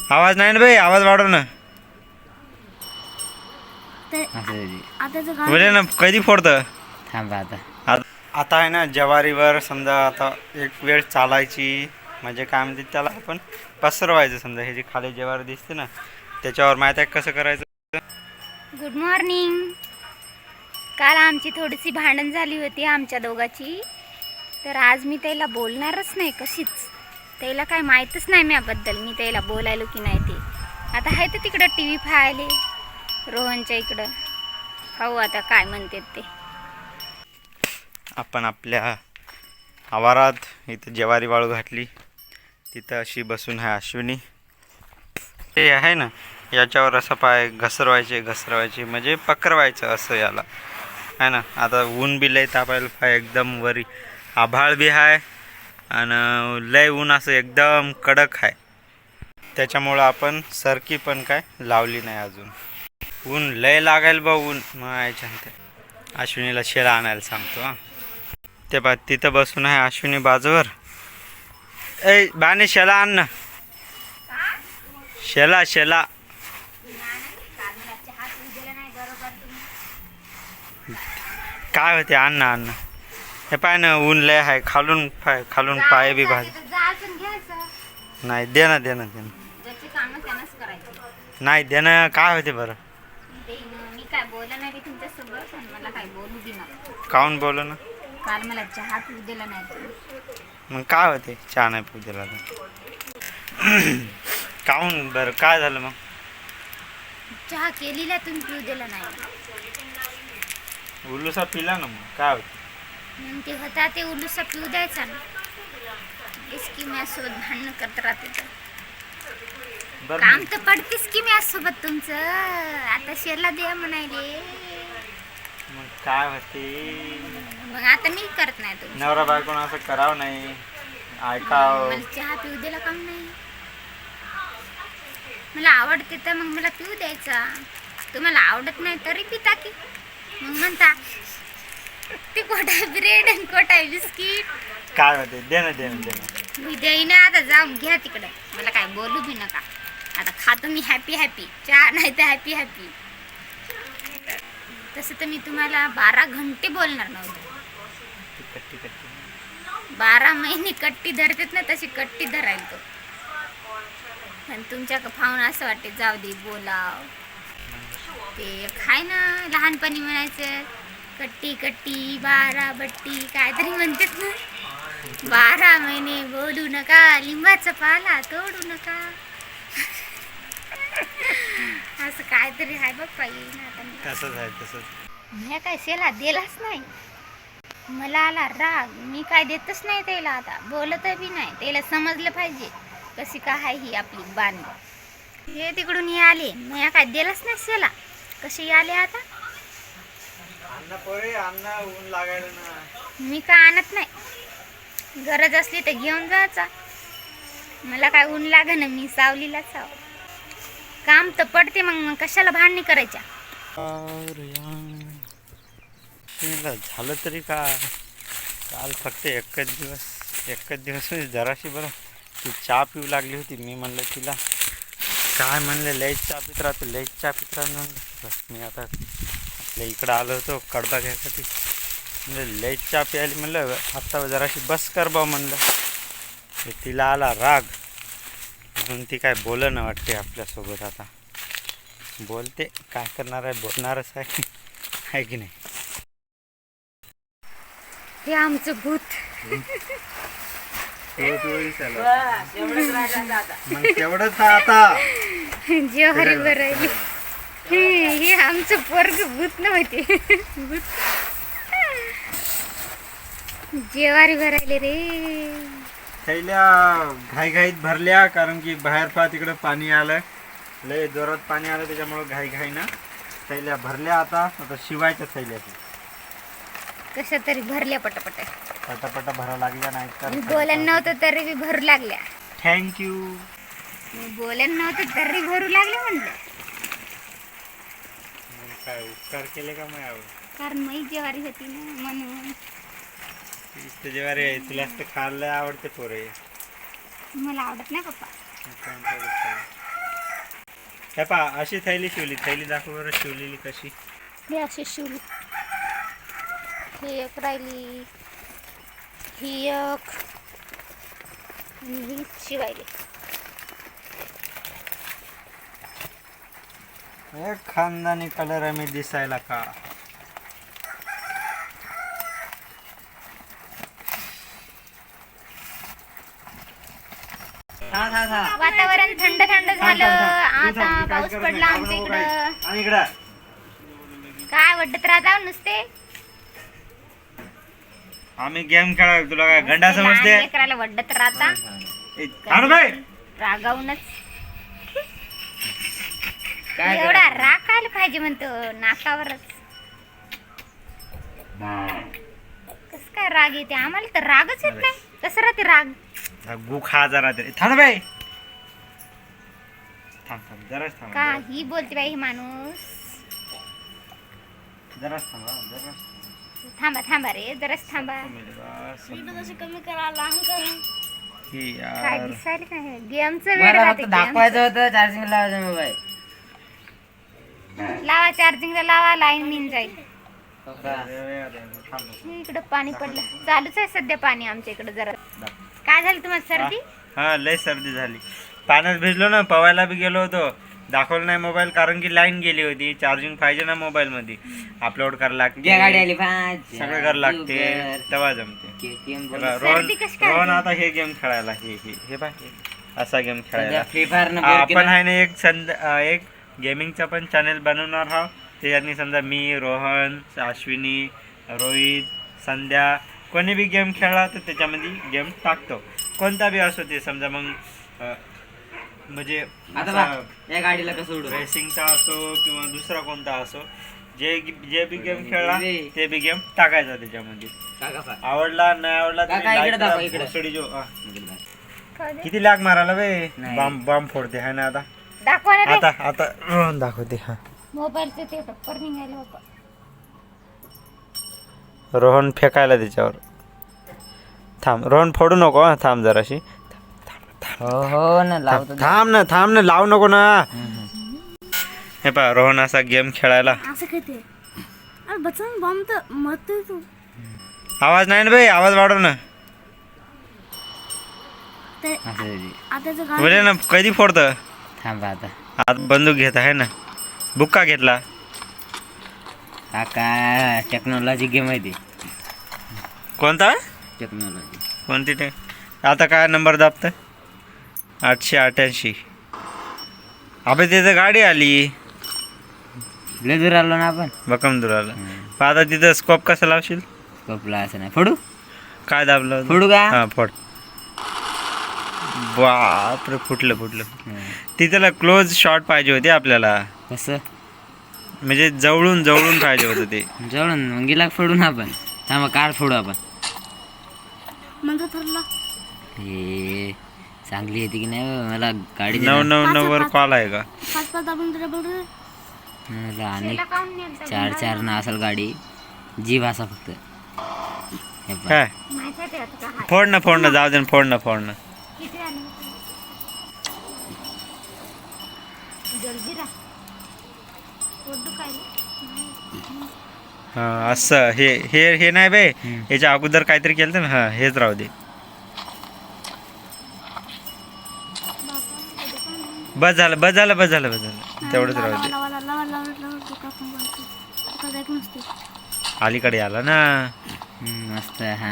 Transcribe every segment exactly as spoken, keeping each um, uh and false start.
आवाज नाही ना भाई, आवाज वाढव ना. बोले ना कधी फोडतं. थांबा आता. आता आहे ना ज्वारीवर समजा आता एक वेळ चालायची म्हणजे काय म्हणते त्याला आपण पसरवायचं. समजा हे जे खाली ज्वारी दिसते ना त्याच्यावर माहिती आहे कसं करायचं. Good morning. काल आमची थोडीशी भांडण झाली होती आमच्या दोघाची, तर आज मी त्याला बोलणारच नाही कशीच. त्याला काय माहीतच नाही म्याबद्दल मी त्याला बोलायलो की नाही ते. आता आहे तर तिकडं टी व्ही पाहायले रोहनच्या इकडं. पाहू आता काय म्हणतात ते. आपण आपल्या आवारात इथं ज्वारी वाळू घातली, तिथं अशी बसून आहे अश्विनी. हे आहे ना याच्यावर असं पाय घसरवायचे घसरवायचे म्हणजे पकरवायचं असं याला आहे ना. आता ऊन बी लय तापायला पाय एकदम वरी आभाळ बी आहे आणि लय ऊन असं एकदम कडक आहे. त्याच्यामुळं आपण सरकी पण काय लावली नाही अजून. ऊन लय लागायला बा ऊन मग याच्यानंतर अश्विनीला शेला आणायला सांगतो. हां ते बा तिथं बसून आहे अश्विनी बाजूवर. ए बाने शेला आण ना. शेला शेला काय होते आण ना आण ना. हे पाय ना ऊन लय आहे खालून पाय खालून पाय बी भाज. नाही दे ना दे ना दे ना. नाही दे ना काय होते बरं. मी काय बोललं नाही तुमच्यासोबत, मला काय बोलू दे ना. काहून बोल ना. काल मला चहा पिऊ दिला नाही. मग काय होते चहा नाही पिऊ दिला तर. काहून बरं काय झालं मग. चहा केलेला तुम्ही पिऊ दिला नाही. उल्लूसा पिला ना मग काय होतं. मग ते होता ते उलूसा पिऊ द्यायचा ना. इसकी माझ्यासोबत भांडणं करत राहते तर बरं काम तर पडतेस की माझ्यासोबत तुमचं. आता शेला द्या म्हणायले मग काय होते. मग आता मी करत नाही तुम्ही. नवरा बायकोनं असं करावं नाही ऐकावं. मला चहा पिऊ दिला काम नाही. मला आवडते तर मग मला पिऊ द्यायचा. तुम्हाला आवडत नाही तरी पिता की. मग म्हणता ते कोटाय ब्रेड आणि कोटाय बिस्किट. काय होते दे ना दे ना दे ना. मी देईना आता जाऊन घ्या तिकडं. मला काय बोलू बी नका. आता खातो मी हॅपी हॅपी. चहा नाही तर हॅपी हॅपी. तसं तर मी तुम्हाला बारा घंटे बोलणार नव्हतं. कट्टी कट्टी बारा महिने कट्टी धरतात ना तशी कट्टी धरायला तो. पण तुमच्या फावून असं वाटते जाऊ दे बोलाव. ते खाय ना लहानपणी म्हणायचं कट्टी कट्टी बारा बट्टी काहीतरी म्हणतात ना. बारा महिने बोलू नका लिंबाचा पाला तोडू नका. असं काहीतरी आहे बघ पाहिजे. तसंच आहे तसंच. मी काय शेला दिलाच नाही. मला आला राग. मी काय देतच नाही त्याला. आता बोलत बी नाही. त्याला समजलं पाहिजे कशी काय आहे ही आपली बाणी. हे तिकडून हे आले मी काय दिलाच नाही शेला. कशी आले आता. अन्न पोरे अन्न ऊन लागायला ना. मी काय आणत नाही. गरज असली तर घेऊन जायचा. मला काय ऊन लाग ना. मी सावलीलाच आहो. काम तर पडते मग कशाला भांडणी करायच्या. झालं तरी का काल फक्त एकच दिवस एकच दिवस म्हणजे जराशी बरं ती चहा पिऊ लागली होती. मी म्हणलं तिला काय म्हणलं लयच चहा पित राहतो लयच चहा पित राहतो म्हणलं. बस मी आता आपल्या इकडं आलो होतो कडबा घ्यायसाठी. म्हणलं लयच चहा प्यायली म्हणलं आत्ता जराशी बस कर बा म्हणलं. तिला आला राग म्हणून ती काय बोलं ना वाटते आपल्यासोबत. आता बोलते काय करणार आहे बोलणारच आहे आहे की नाही. हे आमचं भूत. मग तेवढंच आता जेवारी भरायली. हे आमचं पोरग भूत नव्हते. भूत जेवारी भरायले रे. थैल्या घाईघाईत भरल्या कारण की बाहेर पहा तिकडं पाणी आलं. लय जोरात पाणी आलं त्याच्यामुळं घाई घाई ना थैल्या भरल्या. आता आता शिवायच्या थैल्या कशा तरी भरल्या पटापट पटापटा भरा लागल्या नाही तर. बोलन नव्हतं तरी बी भरू लागल्या. थँक्यू. बोलन नव्हतं तरी भरू लागले म्हणलं. काय उपकार केले का मग यावर. कारण मी जेवारी होती ना म्हणून. जेवारी आहे तुला खायला आवडते पोरे. मला आवडत नाही पप्पा. हे पा अशी थैली शिवली, थैली दाखव बरं शिवलेली कशी. हे अशी शिवली. ही एक राहिली, ही एक आणि ही शिवायली. एक खानदानी कलर आहे मी दिसायला का. वातावरण थंड थंड झालं. आता पाऊस पडला आमच्या इकडं. आणि इकडं काय वाटत राहता नुसते आम्ही गेम खेळा. तुला काय गंडा समजते. लहान लेकराला वड्डत राहता. ए, थांब बाई. रागावूनच एवढा राग कायला पाहिजे म्हणतो नाकावरच. कस काय राग येते आम्हाला तर रागच येत नाही. कसं राहते राग. गु खा जरा तरी. थांब बाई. थांब थांब जराच थांब. का ही बोलते बाई ही माणूस. जराच थांब जराच थांबा थांबा रे जराच थांबा. कमी करा लहान करा काय दिसायला काय गेमचं वेळ राहते. दाखवायचं होतं चार्जिंग लावायचं मोबाईल. लावा चार्जिंगला लावा लाईन मिन जाईल. इकडं पाणी पडलं. चालूच आहे सध्या पाणी आमच्या इकडं. जरा काय झालं तुम्हाला सर्दी. हा लय सर्दी झाली. पाण्यात भिजलो ना. पवायला बी गेलो होतो. दाखवलं नाही मोबाईल कारण की लाईन गेली होती. चार्जिंग पाहिजे ना मोबाईल मध्ये. अपलोड करायला लागते, गाडी आली पाच सगळं करायला लागते तेव्हा जमते. बघा, रोहन सर्दी कशी काय रोहन आता हे गेम खेळायला. हे हे हे बा हे असा गेम खेळायला. फ्री फायर आपण आहे ना एक संद एक गेमिंगचा पण चॅनल बनवणार आहोत. त्याच्यातनी समजा मी, रोहन, अश्विनी, रोहित, संध्या कोणी बी गेम खेळला तर त्याच्यामध्ये गेम टाकतो. कोणता बी असो ते समजा. मग अ, म्हणजे आता या गाडीला कसं उडू. रेसिंगचा असो किंवा दुसरा कोणता असो. जे जे बी गेम खेळला ते बी गेम टाकायचा त्याच्यामध्ये. आवडला नाही आवडला काका, तरी इकडे दाखवा, like इकडे. करा. भोसडी जो हा. खाऊ दे. किती लाग मारायला बे. नाही. बॉम्ब बॉम्ब फोडते है ना. आता दाखवा ना रे. आता आता रोहन दाखवते. हा मोबाईलचं ते टप्पर निघायला बाबा. रोहन फेकायला त्याच्यावर. थांब रोहन फोडू नको हा. थांब जराशी. हो हो ना लावतो. थांब ना थांब ना लावू नको ना. हे पहा रोहन असा गेम खेळायला. असं खेळते. अरे बचन बॉम्ब तर मरतोय तू. आवाज नाही ना बाई. आवाज वाढव ना. आता बोले ना कधी फोडत. थांबा आता. आत बंदूक घेत आहे ना. बुक्का घेतला. काका टेक्नॉलॉजी गेम आहे ती. कोणता टेक्नॉलॉजी कोणती ते. आता काय नंबर दाबत. आठशे अठ्याऐंशी. अबे तिथं गाडी आली. लय दूर आलो ना आपण. बकमदुराला. पण आता तिथं स्कोप कसा लावशील. स्कोपला असं नाही. फोडू काय दाबलं. फोडू का. हा फोड. बापरे फुटलं फुटलं. तिथला क्लोज शॉट पाहिजे होते आपल्याला. कसं म्हणजे जवळून जवळून पाहिजे होतं ते. जवळून मग गिलाक फोडू ना आपण. थांबा कार फोडू आपण. हे चांगली येते की नाही बा, मला गाडी दे नऊ ना. नऊ नऊ वर कॉल आहे का. मला आणि तिला काहून नेलतं? चार चार ना असेल गाडी. जीव असा फक्त. हे पहा. काय माहिती आहे ते आता का हात फोड ना फोड ना जाऊ दे ना, फोड ना फोड ना. किती आले जलजिरा पोट दुखायला. हा असं हे हे हे नाही बे. हम्म. याच्या अगोदर काहीतरी केलं ना. हा हेच राहू दे. बस झालं बस झालं बस झालं बस झालं तेवढंच राहू दे. अलीकडे आला ना. हम्म, मस्त हा.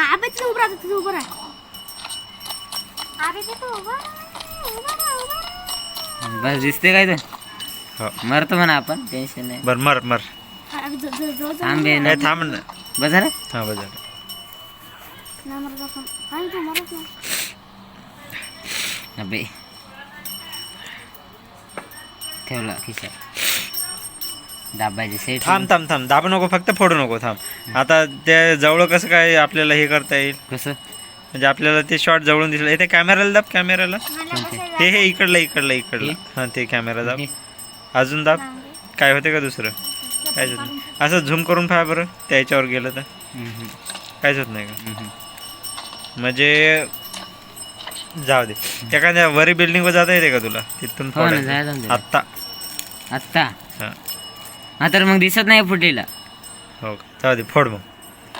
अरे ते तो उभा राहा, उभा राहा, उभा राहा. बस दिसते काय तर. हो मरतो म्हणा आपण. टेन्शन नाही. बर मर मर. थांबे ना. ए, थांब ना. बस झालं. हा बस झालं. अबे ठेवला खिशा. दाबायचे सेट. थांब थांब थांब दाबू नको फक्त फोडू नको. थांब आता त्या जवळ कसं काय आपल्याला हे करता येईल. कसं म्हणजे आपल्याला ते शॉट जवळून दिसलं. इथे कॅमेराला दाब कॅमेराला. मला बसायला हे हे इकडलं इकडलं इकडलं. हां ते कॅमेरा दाब. अजून दाब. काय होते का दुसरं काहीच होत नाही. असं झूम करून पाहा बरं. त्याच्यावर गेलं तर हम्म, काहीच होत नाही का. हम्म. म्हणजे जाऊ दे. एखाद्या वरी बिल्डिंगवर जाता येते का तुला तिथून हो ना, फोडायचं? जायचं ना. आत्ता आत्ता हां हा तर मग दिसत नाही फुटलेला. हो का, जाऊ दे फोड मग.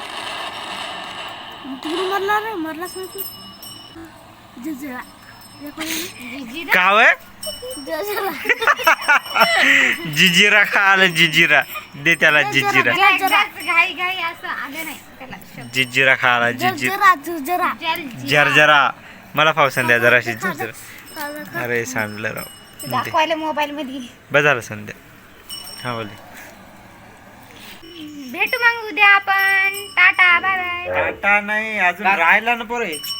मरला रे मरलाच नाही तू. जजरा जिजिरा का वय जजरा जिजिरा खा आलं जिजिरा दे त्याला जिजिरा घाई घाई असं आलं नाही त्याला शब्द. जिजिरा खा आला जिजिरा जजरा जल जरजरा मला पावसान द्या जराशी जरजरा. अरे सांडलं राव दे. दाखवायला मोबाईल मध्ये. बस झालं संध्या. हा बोले भेटू मग उद्या आपण. Tata bye bye. टाटा नाही अजून राहिला ना पोरे.